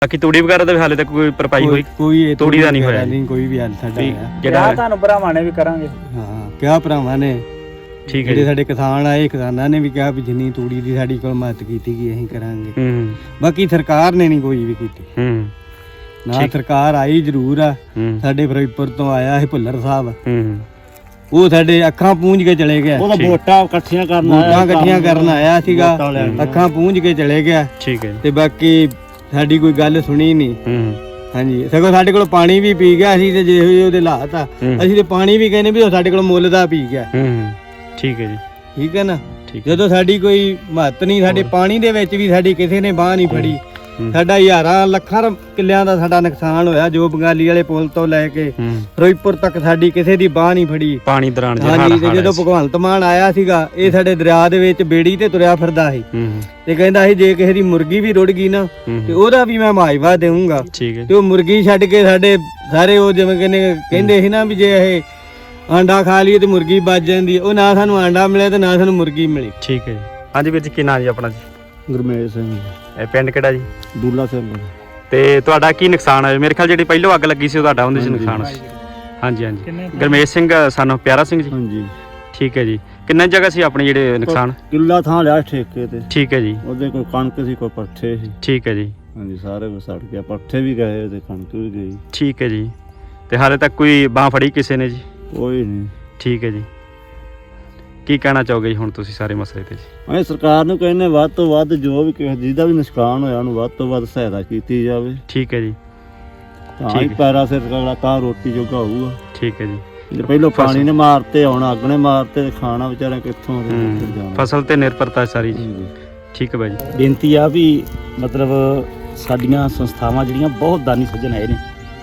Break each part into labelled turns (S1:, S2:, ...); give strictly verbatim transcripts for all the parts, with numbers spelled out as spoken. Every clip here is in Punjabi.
S1: ਬਾਕੀ ਤੂੜੀ ਵਗੈਰਾ ਦਾ ਵੀ ਹਾਲੇ ਤੱਕ ਕੋਈ ਭਰਪਾਈ ਹੋਈ
S2: ਕੋਈ
S1: ਤੂੜੀ ਦਾ ਨਹੀਂ ਹੋਇਆ
S2: ਨਹੀਂ, ਕੋਈ ਵੀ ਹਾਲ ਸਾਡਾ
S1: ਜਿਹੜਾ
S3: ਤੁਹਾਨੂੰ ਭਰਾਵਾਂ ਨੇ ਵੀ ਕਰਾਂਗੇ।
S2: ਹਾਂ ਕਿਹਾ ਭਰਾਵਾਂ ਨੇ,
S1: ਠੀਕ ਹੈ
S2: ਜਿਹੜੇ ਸਾਡੇ ਕਿਸਾਨ ਆਏ ਕਿਸਾਨਾਂ ਨੇ ਵੀ ਕਿਹਾ ਵੀ ਜਿੰਨੀ ਤੂੜੀ ਦੀ ਸਾਡੀ ਕੋਲ ਮਦਦ ਕੀਤੀ ਗਈ ਅਸੀਂ ਕਰਾਂਗੇ।
S1: ਹੂੰ
S2: ਬਾਕੀ ਸਰਕਾਰ ਨੇ ਨਹੀਂ ਕੋਈ ਵੀ ਕੀਤੀ।
S1: ਹੂੰ
S2: ਨਾ ਸਰਕਾਰ ਆਈ ਜ਼ਰੂਰ ਆ, ਸਾਡੇ ਫਿਰੋਜ਼ਪੁਰ ਤੋਂ ਆਇਆ ਸੀ ਭੁੱਲਰ ਸਾਹਿਬ,
S1: ਹੂੰ
S2: ਉਹ ਸਾਡੇ ਅੱਖਾਂ ਪੂੰਝ ਕੇ ਚਲੇ ਗਿਆ।
S3: ਉਹਦਾ ਵੋਟਾਂ ਇਕੱਠੀਆਂ ਕਰਨ ਆਇਆ,
S2: ਵੋਟਾਂ ਇਕੱਠੀਆਂ ਕਰਨ ਆਇਆ ਸੀਗਾ, ਅੱਖਾਂ ਪੂੰਝ ਕੇ ਚਲੇ ਗਿਆ।
S1: ਠੀਕ ਹੈ
S2: ਤੇ ਬਾਕੀ ਸਾਡੀ ਕੋਈ ਗੱਲ ਸੁਣੀ ਨਹੀਂ।
S1: ਹੂੰ
S2: ਹਾਂਜੀ ਸਗੋਂ ਸਾਡੇ ਕੋਲ ਪਾਣੀ ਵੀ ਪੀ ਗਿਆ ਸੀ, ਤੇ ਜਿਹੋ ਉਹਦੇ ਹਾਲਾਤ ਆ ਅਸੀਂ ਤੇ ਪਾਣੀ ਵੀ ਕਹਿੰਦੇ ਵੀ ਉਹ ਸਾਡੇ ਕੋਲ ਮੁੱਲ ਦਾ ਪੀ ਗਿਆ।
S1: ਹੂੰ ਠੀਕ ਹੈ ਜੀ,
S2: ਠੀਕ ਹੈ ਨਾ।
S1: ਠੀਕ
S2: ਜਦੋਂ ਸਾਡੀ ਕੋਈ ਮਹੱਤ ਨਹੀਂ, ਸਾਡੇ ਪਾਣੀ ਦੇ ਵਿੱਚ ਵੀ ਸਾਡੀ ਕਿਸੇ ਨੇ ਬਾਹ ਨਹੀਂ ਫੜੀ। ਸਾਡਾ ਹਜ਼ਾਰਾਂ ਲੱਖਾਂ ਕਿੱਲਿਆਂ ਦਾ ਸਾਡਾ ਨੁਕਸਾਨ ਹੋਇਆ, ਜੋ ਬੰਗਾਲੀ ਵਾਲੇ ਪੁਲ ਤੋਂ ਲੈ ਕੇ ਫਿਰੋਜ਼ਪੁਰ ਤੱਕ ਸਾਡੀ ਕਿਸੇ ਦੀ ਬਾਹ ਨਹੀਂ ਫੜੀ।
S1: ਪਾਣੀ ਦੌਰਾਨ
S2: ਹਾਂਜੀ ਤੇ ਜਦੋਂ ਭਗਵੰਤ ਮਾਨ ਆਇਆ ਸੀਗਾ, ਇਹ ਸਾਡੇ ਦਰਿਆ ਦੇ ਵਿੱਚ ਬੇੜੀ ਤੇ ਤੁਰਿਆ ਫਿਰਦਾ ਸੀ ਤੇ ਕਹਿੰਦਾ ਸੀ ਜੇ ਕਿਸੇ ਦੀ ਮੁਰਗੀ ਵੀ ਰੁੜ ਗਈ ਨਾ ਤੇ ਉਹਦਾ ਵੀ ਮੈਂ ਮੁਆਵਜ਼ਾ ਦੇਵਾਂਗਾ। ਤੇ ਉਹ ਮੁਰਗੀ ਛੱਡ ਕੇ ਸਾਡੇ ਸਾਰੇ ਉਹ ਜਿਵੇਂ ਕਹਿੰਦੇ ਕਹਿੰਦੇ ਸੀ ਨਾ ਵੀ ਜੇ ਇਹ ਆਂਡਾ ਖਾ ਲਈਏ ਤੇ ਮੁਰਗੀ ਬਚ ਜਾਂਦੀ, ਉਹ ਨਾ ਸਾਨੂੰ ਆਂਡਾ ਮਿਲਿਆ ਤੇ ਨਾ ਸਾਨੂੰ ਮੁਰਗੀ ਮਿਲੀ।
S1: ਠੀਕ ਹੈ ਜੀ। ਹਾਂਜੀ ਵੀਰ ਜੀ, ਕੀ ਨਾਂ ਜੀ ਆਪਣਾ ਜੀ?
S2: ਗੁਰਮੇਜ ਸਿੰਘ।
S1: ਇਹ ਪਿੰਡ ਕਿਹੜਾ ਜੀ?
S2: ਦੂਲਾ ਸਿੰਘ।
S1: ਤੇ ਤੁਹਾਡਾ ਕੀ ਨੁਕਸਾਨ ਹੋਇਆ? ਮੇਰੇ ਖਿਆਲ ਜਿਹੜੀ ਪਹਿਲੋਂ ਅੱਗ ਲੱਗੀ ਸੀ ਉਹ ਤੁਹਾਡਾ ਉਹਦੇ ਚ ਨੁਕਸਾਨ ਸੀ। ਹਾਂਜੀ ਹਾਂਜੀ। ਗੁਰਮੇਜ ਸਿੰਘ ਸਾਨੂੰ ਪਿਆਰਾ ਸਿੰਘ ਜੀ।
S2: ਹਾਂਜੀ
S1: ਠੀਕ ਹੈ ਜੀ। ਕਿੰਨਾ ਜਗ੍ਹਾ ਸੀ ਆਪਣੇ ਜਿਹੜੇ ਨੁਕਸਾਨ?
S2: ਕਿੱਲਾ ਥਾਂ ਲਿਆ ਠੇਕੇ ਤੇ।
S1: ਠੀਕ ਹੈ ਜੀ।
S2: ਉਹਦੇ ਕੋਈ ਕਣਕ ਸੀ, ਕੋਈ ਪੱਠੇ ਸੀ।
S1: ਠੀਕ ਹੈ ਜੀ।
S2: ਹਾਂਜੀ ਸਾਰੇ ਕੁਝ ਸੜ ਗਿਆ, ਪੱਠੇ ਵੀ ਗਏ ਤੇ ਕਣਕ ਵੀ ਗਈ।
S1: ਠੀਕ ਹੈ ਜੀ। ਤੇ ਹਾਲੇ ਤੱਕ ਕੋਈ ਬਾਂਹ ਫੜੀ ਕਿਸੇ ਨੇ ਜੀ?
S2: ਕੋਈ ਨਹੀਂ।
S1: ਠੀਕ ਹੈ ਜੀ। ਕੀ ਕਹਿਣਾ ਚਾਹੋਗੇ ਜੀ ਹੁਣ ਤੁਸੀਂ ਸਾਰੇ ਮਸਲੇ ਤੇ ਜੀ?
S2: ਅਸੀਂ ਸਰਕਾਰ ਨੂੰ ਕਹਿੰਦੇ ਵੱਧ ਤੋਂ ਵੱਧ ਜੋ ਵੀ ਕਿਸੇ ਜਿਹਦਾ ਵੀ ਨੁਕਸਾਨ ਹੋਇਆ ਉਹਨੂੰ ਵੱਧ ਤੋਂ ਵੱਧ ਸਹਾਇਤਾ ਕੀਤੀ ਜਾਵੇ।
S1: ਠੀਕ ਹੈ ਜੀ।
S2: ਤਾਂ ਹੀ ਪੈਰਾ ਸਿਰ ਕਗਲਾ ਤਾਂ ਰੋਟੀ ਜੋਗਾ ਹੋਊਗਾ।
S1: ਠੀਕ ਹੈ ਜੀ।
S2: ਜੇ ਪਹਿਲੋਂ ਪਾਣੀ ਨੇ ਮਾਰਤੇ, ਹੁਣ ਅੱਗ ਨੇ ਮਾਰਤੇ, ਖਾਣਾ ਵਿਚਾਰਾ ਕਿੱਥੋਂ ਜਾਣਾ?
S1: ਫਸਲ ਤੇ ਨਿਰਭਰਤਾ ਸਾਰੀ ਜੀ। ਠੀਕ ਹੈ ਬਾਈ ਜੀ।
S3: ਬੇਨਤੀ ਆ ਵੀ ਮਤਲਬ ਸਾਡੀਆਂ ਸੰਸਥਾਵਾਂ ਜਿਹੜੀਆਂ ਬਹੁਤ ਦਾਨੀ ਸੱਜਣ ਆਏ ਨੇ,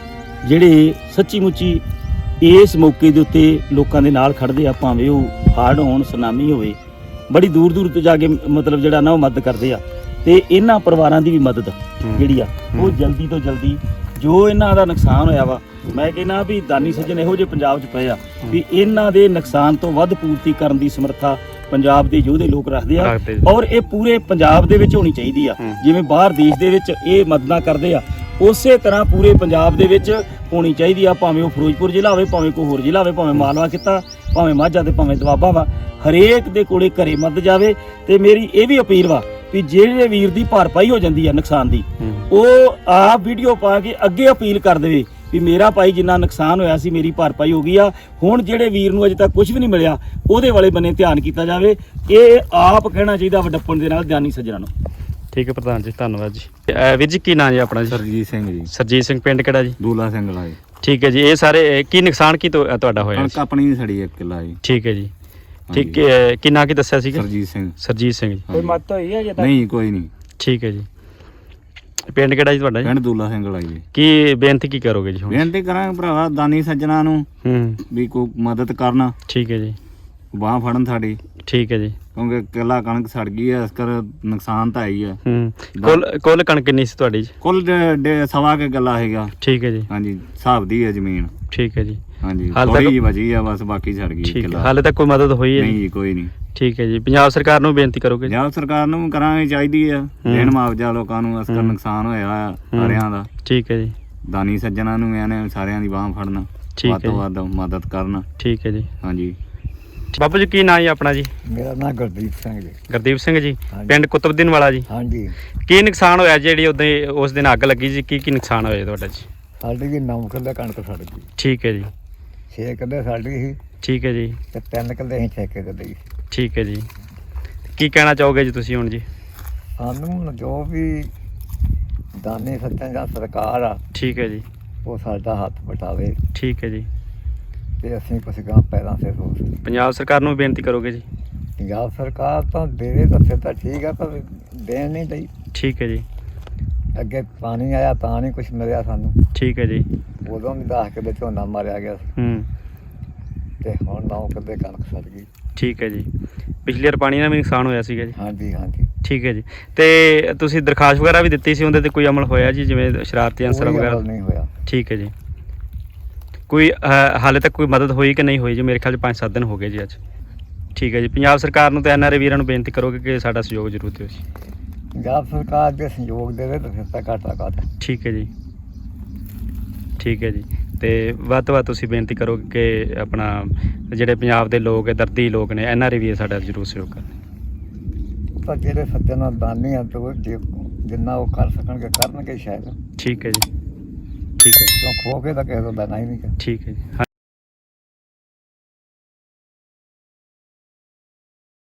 S3: ਜਿਹੜੇ ਸੱਚੀ ਮੁੱਚੀ ਇਸ ਮੌਕੇ ਦੇ ਉੱਤੇ ਲੋਕਾਂ ਦੇ ਨਾਲ ਖੜਦੇ ਆ, ਭਾਵੇਂ ਉਹ ਹੜ੍ਹ ਹੋਣ, ਸੁਨਾਮੀ ਹੋਵੇ, ਬੜੀ ਦੂਰ ਦੂਰ ਤੋਂ ਜਾ ਕੇ ਮਤਲਬ ਜਿਹੜਾ ਨਾ ਉਹ ਮਦਦ ਕਰਦੇ ਆ। ਤੇ ਇਹਨਾਂ ਪਰਿਵਾਰਾਂ ਦੀ ਵੀ ਮਦਦ ਜਿਹੜੀ ਆ ਉਹ ਜਲਦੀ ਤੋਂ ਜਲਦੀ, ਜੋ ਇਹਨਾਂ ਦਾ ਨੁਕਸਾਨ ਹੋਇਆ ਵਾ, ਮੈਂ ਕਹਿੰਦਾ ਵੀ ਦਾਨੀ ਸੱਜਣ ਇਹੋ ਜਿਹੇ ਪੰਜਾਬ 'ਚ ਪਏ ਆ ਵੀ ਇਹਨਾਂ ਦੇ ਨੁਕਸਾਨ ਤੋਂ ਵੱਧ ਪੂਰਤੀ ਕਰਨ ਦੀ ਸਮਰੱਥਾ ਪੰਜਾਬ ਦੇ ਯੋਧੇ ਲੋਕ ਰੱਖਦੇ ਆ। ਔਰ ਇਹ ਪੂਰੇ ਪੰਜਾਬ ਦੇ ਵਿੱਚ ਹੋਣੀ ਚਾਹੀਦੀ ਆ। ਜਿਵੇਂ ਬਾਹਰ ਦੇਸ਼ ਦੇ ਵਿੱਚ ਇਹ ਮਦਦਾਂ ਕਰਦੇ ਆ, ਉਸੇ ਤਰ੍ਹਾਂ ਪੂਰੇ ਪੰਜਾਬ ਦੇ ਵਿੱਚ ਹੋਣੀ ਚਾਹੀਦੀ ਆ। ਭਾਵੇਂ ਉਹ ਫਿਰੋਜ਼ਪੁਰ ਜ਼ਿਲ੍ਹਾ ਹੋਵੇ, ਭਾਵੇਂ ਕੋਈ ਹੋਰ ਜ਼ਿਲ੍ਹਾ ਹੋਵੇ, ਭਾਵੇਂ ਮਾਲਵਾ ਕਿੱਤਾ, ਭਾਵੇਂ ਮਾਝਾ ਤੇ ਭਾਵੇਂ ਦੁਆਬਾ ਵਾ, ਹਰੇਕ ਦੇ ਕੋਲੇ ਘਰੇ ਮਦਦ ਜਾਵੇ। ਤੇ ਮੇਰੀ ਇਹ ਵੀ ਅਪੀਲ ਵਾ ਵੀ ਜਿਹੜੇ ਵੀਰ ਦੀ ਭਰਪਾਈ ਹੋ ਜਾਂਦੀ ਆ ਨੁਕਸਾਨ ਦੀ, ਉਹ ਆਪ ਵੀਡੀਓ ਪਾ ਕੇ ਅੱਗੇ ਅਪੀਲ ਕਰ ਦੇਵੇ ਵੀ ਮੇਰਾ ਭਾਈ ਜਿੰਨਾ ਨੁਕਸਾਨ ਹੋਇਆ ਸੀ ਮੇਰੀ ਭਰਪਾਈ ਹੋ ਗਈ ਆ। ਹੁਣ ਜਿਹੜੇ ਵੀਰ ਨੂੰ ਅਜੇ ਤੱਕ ਕੁਝ ਵੀ ਨਹੀਂ ਮਿਲਿਆ ਉਹਦੇ ਵਾਲੇ ਬੰਨੇ ਧਿਆਨ ਕੀਤਾ ਜਾਵੇ। ਇਹ ਆਪ ਕਹਿਣਾ ਚਾਹੀਦਾ ਵਡੱਪਣ ਦੇ ਨਾਲ ਦਾਨੀ ਸੱਜਣਾ ਨੂੰ।
S1: ਠੀਕ ਹੈ ਪ੍ਰਧਾਨ ਜੀ, ਧੰਨਵਾਦ ਜੀ। ਵੀਰ ਜੀ ਕੀ ਨਾਂ ਜੀ ਆਪਣਾ ਜੀ?
S2: ਸਰਜੀਤ ਸਿੰਘ ਜੀ।
S1: ਸਰਜੀਤ ਸਿੰਘ, ਪਿੰਡ ਕਿਹੜਾ ਜੀ?
S2: ਦੂਲਾ ਸਿੰਘ ਲਾਏ।
S1: ਠੀਕ ਹੈ ਜੀ। ਇਹ ਸਾਰੇ ਕੀ ਨੁਕਸਾਨ ਕੀ ਤੁਹਾਡਾ ਹੋਇਆ?
S2: ਕਣਕ ਆਪਣੀ ਸੜੀ ਇੱਕ ਕਿੱਲਾ ਜੀ।
S1: ਠੀਕ ਹੈ ਜੀ। ਠੀਕ ਹੈ। ਕੀ ਨਾਂ ਕੀ ਦੱਸਿਆ ਸੀਗਾ?
S2: ਸਰਜੀਤ ਸਿੰਘ।
S1: ਸਰਜੀਤ ਸਿੰਘ ਜੀ।
S3: ਕੋਈ ਮਤ ਹੋਈ ਹੈ ਜੇ ਤਾਂ?
S2: ਨਹੀਂ ਕੋਈ ਨਹੀਂ।
S1: ਠੀਕ ਹੈ ਜੀ। ਪਿੰਡ ਕਿਹੜਾ ਜੀ ਤੁਹਾਡਾ?
S2: ਪਿੰਡ ਦੂਲਾ ਸਿੰਘ ਲਾਈ ਜੀ।
S1: ਕੀ ਬੇਨਤੀ ਕੀ ਕਰੋਗੇ ਜੀ ਹੁਣ?
S2: ਬੇਨਤੀ ਕਰਾਂਗੇ ਭਰਾਵਾ ਦਾਨੀ ਸੱਜਣਾ ਨੂੰ
S1: ਹੂੰ
S2: ਵੀ ਕੋਈ ਮਦਦ ਕਰਨਾ।
S1: ਠੀਕ ਹੈ ਜੀ।
S2: ਬਾਂਹ ਫੜਨ ਸਾਡੀ।
S1: ਠੀਕ ਹੈ ਜੀ।
S2: ਕਿਉਂਕਿ ਕਿੱਲਾ ਕਣਕ ਸੜ ਗਈ ਹੈ, ਇਸ ਕਰ ਨੁਕਸਾਨ ਤਾਂ ਆਈ ਹੈ।
S1: ਹੂੰ ਕੁੱਲ ਕੁੱਲ ਕਣਕ ਕਿੰਨੀ ਸੀ ਤੁਹਾਡੀ ਜੀ?
S2: ਕੁੱਲ ਸਵਾ ਕੇ ਗੱਲਾ ਹੈਗਾ।
S1: ਠੀਕ ਹੈ ਜੀ।
S2: ਹਾਂਜੀ ਹਿਸਾਬ ਦੀ ਹੈ ਜ਼ਮੀਨ।
S1: ਠੀਕ ਹੈ ਜੀ।
S2: ਹਾਂਜੀ ਥੋੜੀ ਜਿਹੀ ਬਚੀ ਆ ਬਸ, ਬਾਕੀ ਸੜ ਗਈ ਕਿੱਲਾ।
S1: ਹਾਲੇ ਤੱਕ ਕੋਈ ਮਦਦ ਹੋਈ ਹੈ?
S2: ਨਹੀਂ ਜੀ ਕੋਈ ਨਹੀਂ।
S1: ਠੀਕ ਹੈ ਜੀ। ਪੰਜਾਬ ਸਰਕਾਰ ਨੂੰ ਬੇਨਤੀ ਕਰੋਗੇ?
S2: ਪੰਜਾਬ ਸਰਕਾਰ ਨੂੰ ਕਰਾਂਗੇ, ਚਾਹੀਦੀ ਆ ਦੇਣ ਮੁਆਵਜ਼ਾ ਲੋਕਾਂ ਨੂੰ, ਇਸ ਕਰ ਨੁਕਸਾਨ ਹੋਇਆ ਸਾਰਿਆਂ ਦਾ।
S1: ਠੀਕ ਹੈ ਜੀ।
S2: ਦਾਨੀ ਸੱਜਣਾ ਨੂੰ ਇਹਨੇ ਸਾਰਿਆਂ ਦੀ ਬਾਂਹ ਫੜਨਾ, ਵੱਧ ਤੋਂ ਵੱਧ ਮਦਦ ਕਰਨਾ।
S1: ਠੀਕ ਹੈ ਜੀ।
S2: ਹਾਂਜੀ।
S1: ਬਾਬੂ ਜੀ ਕੀ ਨਾਂ ਜੀ ਆਪਣਾ ਜੀ?
S4: ਮੇਰਾ ਨਾਮ ਗੁਰਦੀਪ ਸਿੰਘ ਜੀ।
S1: ਗੁਰਦੀਪ ਸਿੰਘ ਜੀ, ਪਿੰਡ ਕੁਤਬਦੀਨ ਵਾਲਾ ਜੀ।
S4: ਹਾਂਜੀ।
S1: ਕੀ ਨੁਕਸਾਨ ਹੋਇਆ ਜਿਹੜੀ ਉਦੋਂ ਉਸ ਦਿਨ ਅੱਗ ਲੱਗੀ ਜੀ? ਕੀ ਕੀ ਨੁਕਸਾਨ ਹੋਇਆ ਤੁਹਾਡਾ ਜੀ?
S4: ਸਾਡੀ ਵੀ ਨੌ ਕਿੱਲੇ ਕਣਕ ਸੜ ਗਈ।
S1: ਠੀਕ ਹੈ ਜੀ।
S4: ਛੇ ਕਿੱਲੇ ਸਾਡੀ ਸੀ
S1: ਠੀਕ ਹੈ ਜੀ।
S4: ਤੇ ਤਿੰਨ ਕਿੱਲੇ ਅਸੀਂ ਠੇਕੇ ਤੇ ਲਈ।
S1: ਠੀਕ ਹੈ ਜੀ। ਕੀ ਕਹਿਣਾ ਚਾਹੋਗੇ ਜੀ ਤੁਸੀਂ ਹੁਣ ਜੀ?
S4: ਸਾਨੂੰ ਜੋ ਵੀ ਦਾਨੀ ਸੱਜਣ ਜਾਂ ਸਰਕਾਰ ਆ,
S1: ਠੀਕ ਹੈ ਜੀ,
S4: ਉਹ ਸਾਡਾ ਹੱਥ ਵਟਾਵੇ
S1: ਠੀਕ ਹੈ ਜੀ।
S4: ਤੇ ਅਸੀਂ ਕੁਛ ਗਾਂ ਪੈਰਾਂ ਤੇ ਹੋ ਸਕੀਏ।
S1: ਪੰਜਾਬ ਸਰਕਾਰ ਨੂੰ ਬੇਨਤੀ ਕਰੋਗੇ ਜੀ?
S4: ਪੰਜਾਬ ਸਰਕਾਰ ਤਾਂ ਦੇਵੇ ਤਾਂ ਤਾਂ ਠੀਕ ਆ, ਪਰ ਦੇਣ ਨਹੀਂ ਦਈ।
S1: ਠੀਕ ਹੈ ਜੀ।
S4: ਅੱਗੇ ਪਾਣੀ ਆਇਆ ਤਾਂ ਨਹੀਂ ਕੁਛ ਮਿਲਿਆ ਸਾਨੂੰ।
S1: ਠੀਕ ਹੈ ਜੀ।
S4: ਉਦੋਂ ਵੀ ਦਸ ਕਿੱਲੇ ਝੋਨਾ ਮਾਰਿਆ ਗਿਆ ਸੀ
S1: ਹੂੰ
S4: ਤੇ ਹੁਣ ਨੌ ਕਿੱਲੇ ਕਣਕ ਸੜ ਗਈ।
S1: ਠੀਕ ਹੈ ਜੀ। ਪਿਛਲੀ ਵਾਰ ਪਾਣੀ ਨਾਲ ਵੀ ਨੁਕਸਾਨ ਹੋਇਆ ਸੀਗਾ ਜੀ?
S4: ਹਾਂਜੀ ਹਾਂਜੀ।
S1: ਠੀਕ ਹੈ ਜੀ। ਤੇ ਤੁਸੀਂ ਦਰਖਾਸਤ ਵਗੈਰਾ ਵੀ ਦਿੱਤੀ ਸੀ, ਉਹਦੇ ਤੇ ਕੋਈ ਅਮਲ ਹੋਇਆ ਜੀ, ਜਿਵੇਂ ਸ਼ਰਾਰਤੀ ਅਨਸਰ ਵਗੈਰਾ?
S4: ਨਹੀਂ ਹੋਇਆ।
S1: ਠੀਕ ਹੈ ਜੀ। ਕੋਈ ਹਾਲੇ ਤੱਕ ਕੋਈ ਮਦਦ ਹੋਈ ਕਿ ਨਹੀਂ ਹੋਈ ਜੀ? ਮੇਰੇ ਖਿਆਲ 'ਚ ਪੰਜ ਸੱਤ ਦਿਨ ਹੋ ਗਏ ਜੀ ਅੱਜ। ਠੀਕ ਹੈ ਜੀ। ਪੰਜਾਬ ਸਰਕਾਰ ਨੂੰ ਤੇ ਐਨ ਆਰ ਆਈ ਵੀਰਾਂ ਨੂੰ ਬੇਨਤੀ ਕਰੋਗੇ ਕਿ ਸਾਡਾ ਸਹਿਯੋਗ ਜ਼ਰੂਰ ਦਿਓ ਜੀ।
S4: ਪੰਜਾਬ ਸਰਕਾਰ ਦੇ ਸਹਿਯੋਗ ਦੇਵੇ ਤਾਂ ਫਿਰ ਤਾਂ ਘਾਟਾ ਕਾਹਦਾ।
S1: ਠੀਕ ਹੈ ਜੀ, ਠੀਕ ਹੈ ਜੀ। ਤੇ ਵੱਧ ਤੋਂ ਵੱਧ ਤੁਸੀਂ ਬੇਨਤੀ ਕਰੋ ਕਿ ਆਪਣਾ ਜਿਹੜੇ ਪੰਜਾਬ ਦੇ ਲੋਕ ਹੈ, ਦਰਦੀ ਲੋਕ ਨੇ, ਐਨ ਆਰ ਆਈ ਵੀ ਸਾਡਾ ਜ਼ਰੂਰ ਸਹਿਯੋਗ ਕਰਨ।
S4: ਤਾਂ ਜਿਹੜੇ ਸੱਜਣ ਦਾਨੀ ਆ ਤੇ ਉਹ ਜੇ ਜਿੰਨਾ ਉਹ ਕਰ ਸਕਣਗੇ ਕਰਨਗੇ ਸ਼ਾਇਦ।
S1: ਠੀਕ ਹੈ ਜੀ, ਠੀਕ ਹੈ,
S4: ਕਿਉਂ ਖੋ ਕੇ ਤਾਂ ਕਿਸੇ ਤੋਂ ਦੇਣਾ ਹੀ ਨਹੀਂ।
S1: ਠੀਕ ਹੈ ਜੀ।